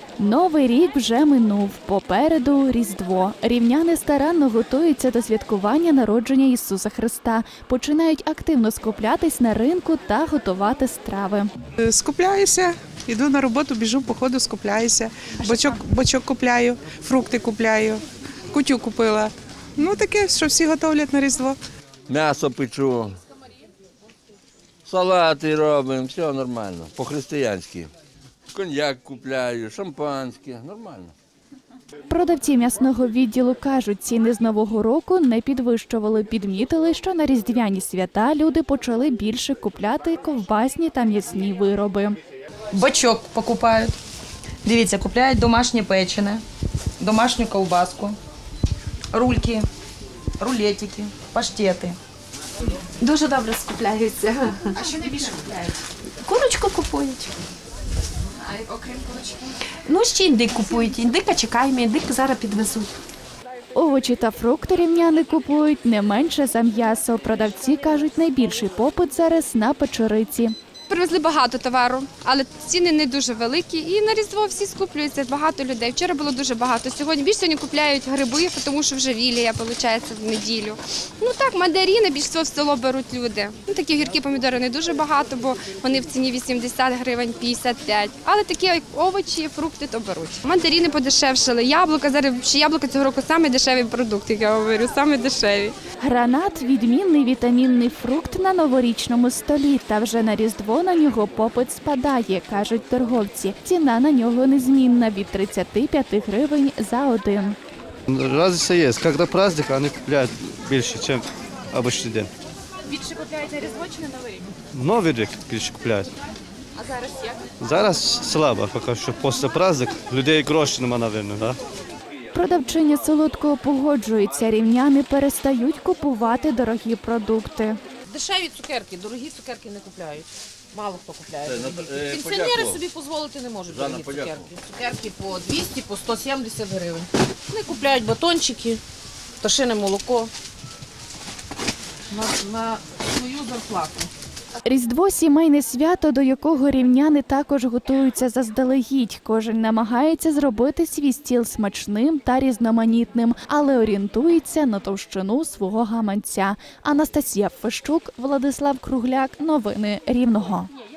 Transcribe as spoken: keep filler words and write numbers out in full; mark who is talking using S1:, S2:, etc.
S1: Новий рік вже минув, попереду Різдво. Рівняни старанно готуються до святкування народження Ісуса Христа. Починають активно скуплятись на ринку та готувати страви.
S2: Скупляюся, йду на роботу, біжу по ходу, скупляюся. Бочок, бочок купляю, фрукти купляю, кутю купила. Ну таке, що всі готовлять на Різдво.
S3: М'ясо печу, салати робимо, все нормально, по-християнськи. Коньяк купляю, шампанське, нормально.
S1: Продавці м'ясного відділу кажуть, ціни з Нового року не підвищували. Підмітили, що на різдвяні свята люди почали більше купляти ковбасні та м'ясні вироби.
S4: Бочок покупають. Дивіться, купляють домашнє печене, домашню ковбаску, рульки, рулетики, паштети.
S5: Дуже добре скупляються.
S6: А що найбільше купляють?
S5: Курочку купують.
S6: А окрім курочки?
S5: Ну, ще індик купують. Індика чекаємо, індик зараз підвезуть.
S1: Овочі та фрукти рівняни купують не менше за м'ясо. Продавці кажуть, найбільший попит зараз на печериці.
S7: Привезли багато товару, але ціни не дуже великі. І на Різдво всі скуплюються, багато людей. Вчора було дуже багато. Сьогодні більше сьогодні купляють гриби, тому що вже вілія, виходить, в неділю. Ну так, мандарини більш всього в село беруть люди. Ну, такі гіркі помідори не дуже багато, бо вони в ціні вісімдесят гривень, п'ятдесят п'ять. Але такі як овочі, фрукти то беруть. Мандарини подешевшили, яблука, зараз ще яблука цього року саме дешевий продукт, як я говорю, саме дешеві.
S1: Гранат – відмінний вітамінний фрукт на новорічному столі. Та вже на Різдво на нього попит спадає, кажуть торговці. Ціна на нього незмінна – від тридцяти п'яти гривень за один.
S8: Разниця є. Коли праздник, вони купують більше, ніж звичайний день.
S6: Більше купляють на Різдво чи на Новий рік?
S8: Новий рік більше купують.
S6: А зараз як?
S8: Зараз слабо, поки що після праздник. Людей грошей немає, мабуть, да?
S1: Продавчиня солодкого погоджується, рівняни перестають купувати дорогі продукти.
S9: Дешеві цукерки, дорогі цукерки не купляють. Мало хто купляє.
S3: Це, е,
S9: Пенсіонери
S3: подякував.
S9: собі дозволити не можуть
S3: Жанна,
S9: дорогі цукерки.
S3: подякував.
S9: Цукерки по двісті, по сто сімдесят гривень. Вони купляють батончики, пташине молоко на, на свою зарплату.
S1: Різдво – сімейне свято, до якого рівняни також готуються заздалегідь. Кожен намагається зробити свій стіл смачним та різноманітним, але орієнтується на товщину свого гаманця. Анастасія Фещук, Владислав Кругляк. Новини Рівного.